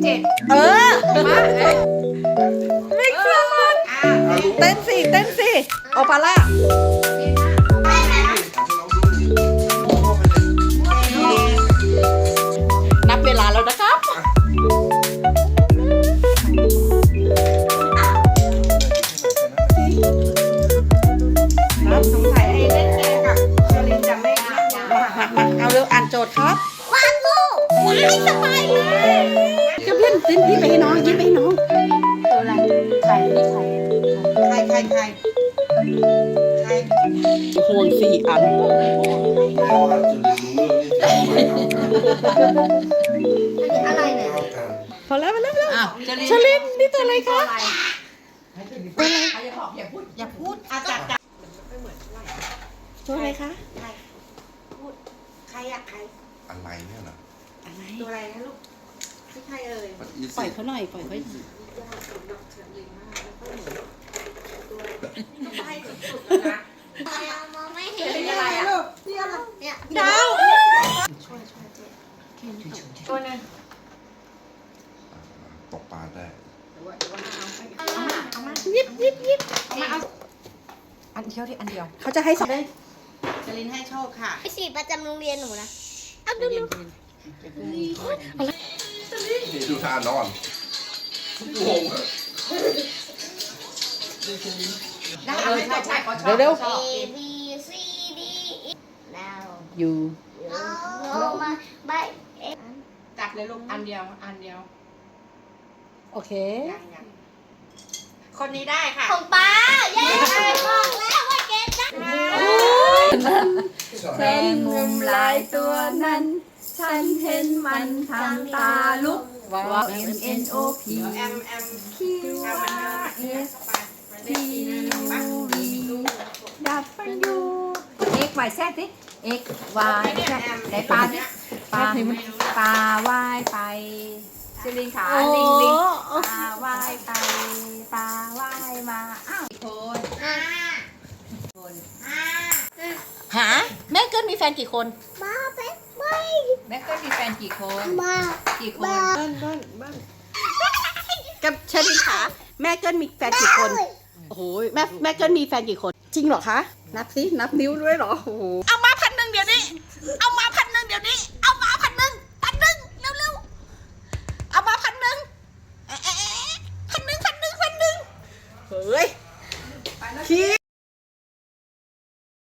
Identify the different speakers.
Speaker 1: เออมาไม่กลัวเต้นสิโอปาร่านับเวลาแล้วนะครับสงสัยไอ้เล่นเกมกับเชอรินจะไม่มาเอาเร็วอ่านโจทย์ครับ
Speaker 2: วางงูว้ายสบายเลย
Speaker 1: จะเล่นยิ้มไปให้น้องยิ้มไปให้น้อง
Speaker 2: ตัวอะไรไข่นี่ไข่
Speaker 1: ห่วง4 อัน
Speaker 2: อะไรเนี่ย
Speaker 1: พอแล้วชลินนี่ตัวอะไรคะตัวอะไร
Speaker 2: อย่าพูดจับ
Speaker 1: ตัวอะไรคะ
Speaker 2: พูดใครอะใคร
Speaker 3: อะไรเนี่ยเหรอ
Speaker 1: อะไร
Speaker 2: ตัวอะไรนะลูกที่ใครเอ่ย
Speaker 1: ปล่อยเขาหน่อยปล่อยเขา
Speaker 2: มองไม่เห็นอะไรอะเนี่ย
Speaker 1: ดาว
Speaker 2: ช่วยเจ๊ตัวนึง
Speaker 3: ตกปลาได้
Speaker 1: เอามายิบ
Speaker 2: มาเอา
Speaker 1: อันเดียวดิอันเดียวเขาจะให้สักได้
Speaker 2: จรินให้โชคค่ะไอสีประจำโรงเรียนหนูนะเอาดู
Speaker 3: นี่ดูท่านอนงง
Speaker 1: เร็ว
Speaker 2: A B C D E now
Speaker 1: อยู่
Speaker 2: no มาใบ
Speaker 4: จับเลยลูกอันเดียว
Speaker 1: โอเค
Speaker 4: คนนี้ได้ค่ะ
Speaker 2: ของป้าเย้บอกแล้วว่าเกตได้
Speaker 1: แฟนมุมลายตัวนั้นฉันเห็นมันทำตาลุกว่า M N O P Q R S T U V ดับฟันยู X Y Z สิ X Y Z ไหนปลาเนี่ยปลาว่ายไปซิลินขาลิงปลาว่ายไปปลาว่ายมาอ้าวคนหาแม่เกิลมีแฟนกี่คน
Speaker 2: มาเป็นไม่
Speaker 1: แม่เกิลมีแฟนกี่คนกี่คนบ้านกับเชลินขาแม่เกิลมีแฟนกี่คนโอ้โหแม่เกิลมีแฟนกี่คนจริงเหรอคะนับสินับนิ้วด้วยเหรอโอ้โหเอามา1,000เดี๋ยวนี้เอามา1,000เดี๋ยวนี้เอามา1,000เร็วเอามา1,0001,000เฮ้ย